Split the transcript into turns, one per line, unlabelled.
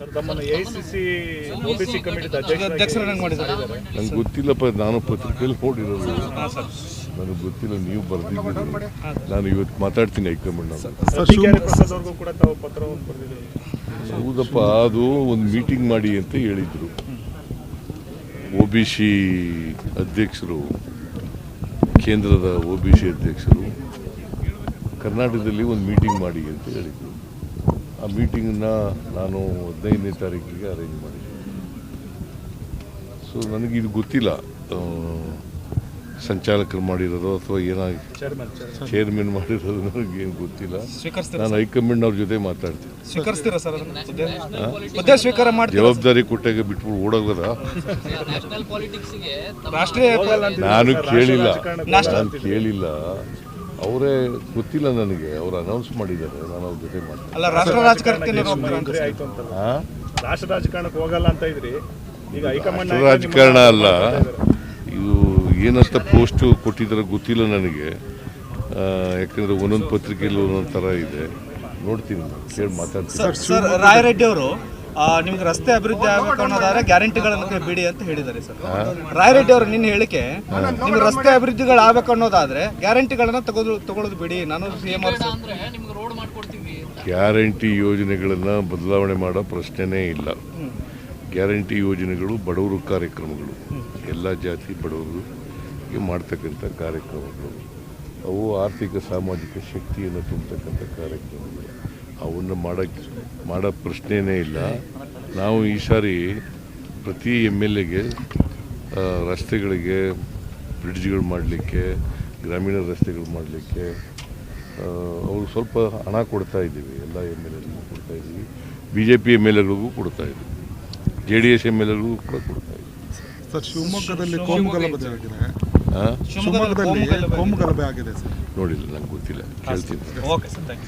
ತಮ್ಮನ್ನು AICC OBC committee ಅಧ್ಯಕ್ಷರನ್ನಾಗಿ ಮಾಡಿದ್ದಾರೆ.
ನಂಗೆ ಗೊತ್ತಿಲ್ಲಪ್ಪ, ನಾನು ಪತ್ರಿಕೆಯಲ್ಲಿ ನೋಡಿರೋದು, ನನಗೆ ಗೊತ್ತಿಲ್ಲ. ನೀವು ಬರೆದಿದ್ದೀರಿ, ನಾನು ಇವತ್ತು ಮಾತಾಡ್ತೀನಿ ಹೈಕಮಾಂಡ್
ಪ್ರಸಾದ್ ಕೂಡ ತಾವು ಪತ್ರವನ್ನು ಬರೆದಿದ್ದೀರಿ.
ಹೌದಪ್ಪ, ಅದು ಒಂದು ಮೀಟಿಂಗ್ ಮಾಡಿ ಅಂತ ಹೇಳಿದರು. ಒಬಿಸಿ ಅಧ್ಯಕ್ಷರು, ಕೇಂದ್ರದ ಒಬಿಸಿ ಅಧ್ಯಕ್ಷರು ಕರ್ನಾಟಕದಲ್ಲಿ ಒಂದು ಮೀಟಿಂಗ್ ಮಾಡಿ ಅಂತ ಹೇಳಿದರು. ಆ ಮೀಟಿಂಗನ್ನ ನಾನು 15ನೇ ತಾರೀಕಿಗೆ ಅರೇಂಜ್ ಮಾಡಿದ್ದೆ. ಸೊ ನನಗಿದು ಗೊತ್ತಿಲ್ಲ, ಸಂಚಾಲಕರು ಮಾಡಿರೋದು ಅಥವಾ ಏನಾಗಿ ಚೇರ್ಮನ್ ಮಾಡಿರೋದು ನನಗೇನು ಗೊತ್ತಿಲ್ಲ. ನಾನು ಹೈಕಮಾಂಡ್ ಅವ್ರ ಜೊತೆ ಮಾತಾಡ್ತೀನಿ. ಜವಾಬ್ದಾರಿ ಕೊಟ್ಟಾಗ ಬಿಟ್ಬಿಟ್ಟು ಓಡೋಗದ ನಾನು ಕೇಳಿಲ್ಲ. ಅವರೇ ಗೊತ್ತಿಲ್ಲ ನನಗೆ. ಅವ್ರು ಅನೌನ್ಸ್ ಮಾಡಿದ್ದಾರೆ, ನಾನು ಅವ್ರ ಜೊತೆ ಮಾತಾಡ್ತೀನಿ.
ರಾಷ್ಟ್ರ ರಾಜಕಾರಣಕ್ಕೆ ಹೋಗಲ್ಲ ಅಂತ ಇದ್ರಿ, ಈಗ ಹೈಕಮಾಂಡ್
ರಾಜಕಾರಣ ಅಲ್ಲ ಇದು. ಏನಂತ ಪೋಸ್ಟ್ ಕೊಟ್ಟಿದ್ದಾರೆ ಗೊತ್ತಿಲ್ಲ ನನಗೆ, ಯಾಕಂದ್ರೆ ಒಂದೊಂದು ಪತ್ರಿಕೆಯಲ್ಲಿ ಒಂದೊಂದು ಥರ ಇದೆ. ನೋಡ್ತೀನಿ, ಕೇಳಿ ಮಾತಾಡ್ತೀನಿ.
ಸರ್, ರಾಯರೆಡ್ಡಿ ಅವರು ನಿಮ್ಗೆ ರಸ್ತೆ ಅಭಿವೃದ್ಧಿ ಆಗಬೇಕು ಅನ್ನೋದಾದ್ರೆ ಗ್ಯಾರಂಟಿಗಳನ್ನು ಬಿಡಿ ಅಂತ ಹೇಳಿದ್ದಾರೆ ಸರ್. ರಾಯರೆಡ್ಡಿ ಅವರು ನಿನ್ನ ಹೇಳಿಕೆ, ನಿಮ್ಗೆ ರಸ್ತೆ ಅಭಿವೃದ್ಧಿಗಳು ಆಗ್ಬೇಕು ಅನ್ನೋದಾದ್ರೆ ಗ್ಯಾರಂಟಿಗಳನ್ನ ತಗೊಳ್ಳೋದು ಬಿಡಿ, ನಾನು ಸಿಎಂ
ಗ್ಯಾರಂಟಿ ಯೋಜನೆಗಳನ್ನು ಬದಲಾವಣೆ ಮಾಡೋ ಪ್ರಶ್ನೆನೇ ಇಲ್ಲ. ಗ್ಯಾರಂಟಿ ಯೋಜನೆಗಳು ಬಡವರು ಕಾರ್ಯಕ್ರಮಗಳು, ಎಲ್ಲ ಜಾತಿ ಬಡವರಿಗೆ ಮಾಡ್ತಕ್ಕಂಥ ಕಾರ್ಯಕ್ರಮಗಳು. ಅವು ಆರ್ಥಿಕ ಸಾಮಾಜಿಕ ಶಕ್ತಿಯನ್ನು ತುಂಬತಕ್ಕಂಥ ಕಾರ್ಯಕ್ರಮಗಳು. ಅವನ್ನು ಮಾಡೋ ಪ್ರಶ್ನೆಯೇ ಇಲ್ಲ. ನಾವು ಈ ಸಾರಿ ಪ್ರತಿ MLAಗೆ ರಸ್ತೆಗಳಿಗೆ, ಬ್ರಿಡ್ಜ್ಗಳು ಮಾಡಲಿಕ್ಕೆ, ಗ್ರಾಮೀಣ ರಸ್ತೆಗಳು ಮಾಡಲಿಕ್ಕೆ ಅವರು ಸ್ವಲ್ಪ ಹಣ ಕೊಡ್ತಾ ಇದ್ದೀವಿ. ಎಲ್ಲ MLAಗಳಿಗೂ ಕೊಡ್ತಾ ಇದ್ದೀವಿ, BJP MLAಗಳಿಗೂ ಕೊಡ್ತಾ ಇದ್ದೀವಿ, JDS MLAಗಳಿಗೂ ಕೂಡ ಕೊಡ್ತಾ ಇದ್ದೀವಿ.
ಸರ್, ಶಿವಮೊಗ್ಗದಲ್ಲಿ ಕೋಮುಗಲಭೆ ಆಗಿದೆ.
ನೋಡಿಲ್ಲ, ನಂಗೆ ಗೊತ್ತಿಲ್ಲ, ಕೇಳ್ತೀನಿ.